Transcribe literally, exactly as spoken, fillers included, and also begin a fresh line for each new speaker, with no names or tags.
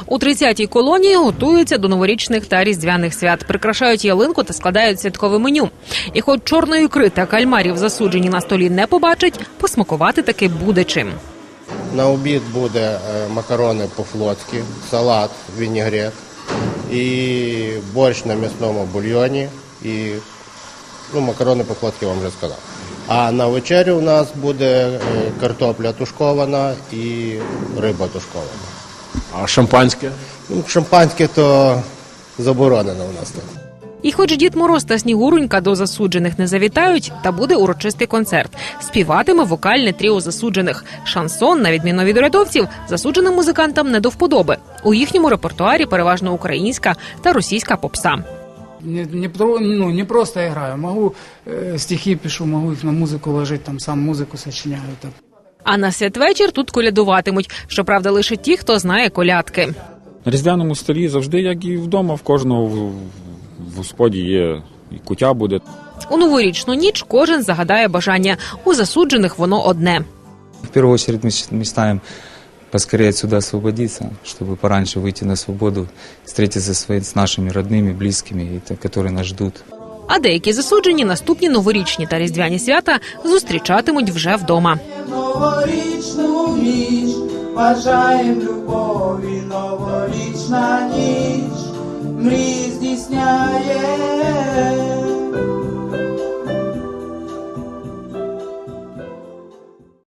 У тридцятій колонії готуються до новорічних та різдвяних свят. Прикрашають ялинку та складають святкове меню. І хоч чорної ікри та кальмарів засуджені на столі не побачать, посмакувати таки буде чим.
На обід буде макарони по-флотськи, салат, вінігрет і борщ на м'ясному бульйоні. І ну, макарони по-флотськи вам вже сказав. А на вечерю у нас буде картопля тушкована і риба тушкована.
А шампанське?
Ну, шампанське то заборонено у нас тут.
І хоч Дід Мороз та Снігурунька до засуджених не завітають, та буде урочистий концерт. Співатиме вокальне тріо засуджених. Шансон, на відміну від урядовців, засудженим музикантам не до вподоби. У їхньому репертуарі переважно українська та російська попса.
Не, не, ну, не просто играю, могу э, стихи пишу, могу их на музыку ложить, там сам музыку сочиняю. Так.
А на святвечір тут колядуватимуть. Щоправда, лише ті, хто знає колядки.
На різдвяному столі завжди, як і вдома, в кожного в, в господі є і куття буде.
У новорічну ніч кожен загадає бажання. У засуджених воно одне.
В первую очередь мы, мы ставим поскорее отсюда освободиться, чтобы пораньше выйти на свободу, встретиться с, с нашими родными, близкими, которые нас ждут.
А деякі засуджені наступні новорічні та різдвяні свята зустрічатимуть вже вдома.
Новорічну ніч бажаєм любові.